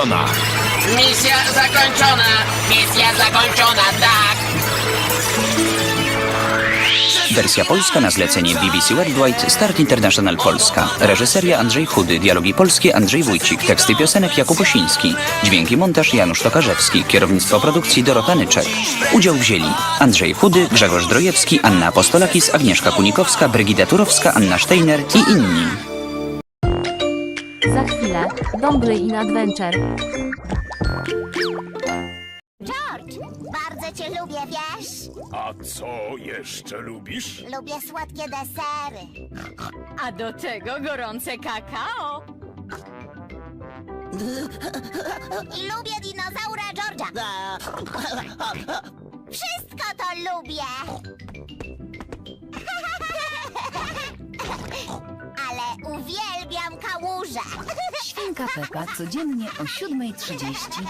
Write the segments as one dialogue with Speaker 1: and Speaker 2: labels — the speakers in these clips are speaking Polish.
Speaker 1: zakończona.
Speaker 2: Misja zakończona! Misja zakończona, tak!
Speaker 3: Wersja polska na zlecenie BBC Worldwide, Start International Polska. Reżyseria Andrzej Chudy, dialogi polskie Andrzej Wójcik, teksty piosenek Jakub Osiński, dźwięki montaż Janusz Tokarzewski, kierownictwo produkcji Dorota Nyczek. Udział wzięli Andrzej Chudy, Grzegorz Drojewski, Anna Apostolakis, Agnieszka Kunikowska, Brygida Turowska, Anna Steiner i inni.
Speaker 4: Za chwilę, Dongle in Adventure.
Speaker 5: George, bardzo cię lubię, wiesz?
Speaker 1: A co jeszcze lubisz?
Speaker 5: Lubię słodkie desery.
Speaker 6: A do tego gorące kakao.
Speaker 5: I lubię dinozaura George'a. Wszystko to lubię. Ale uwielbiam kałuże.
Speaker 7: Świnka Pepa codziennie o 7:30.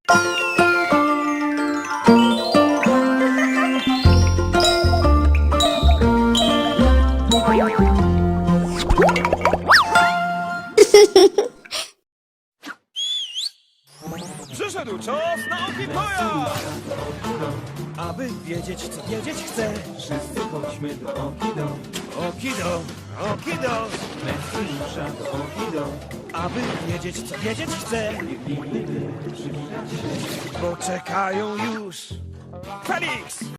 Speaker 8: Przyszedł czas na Okitoja! Aby wiedzieć, co wiedzieć chcę, wszyscy chodźmy do Okido. Okido, Okido, Mesjusza do Okido. Aby wiedzieć, co wiedzieć chcę, niech przywitać się, bo czekają już Felix!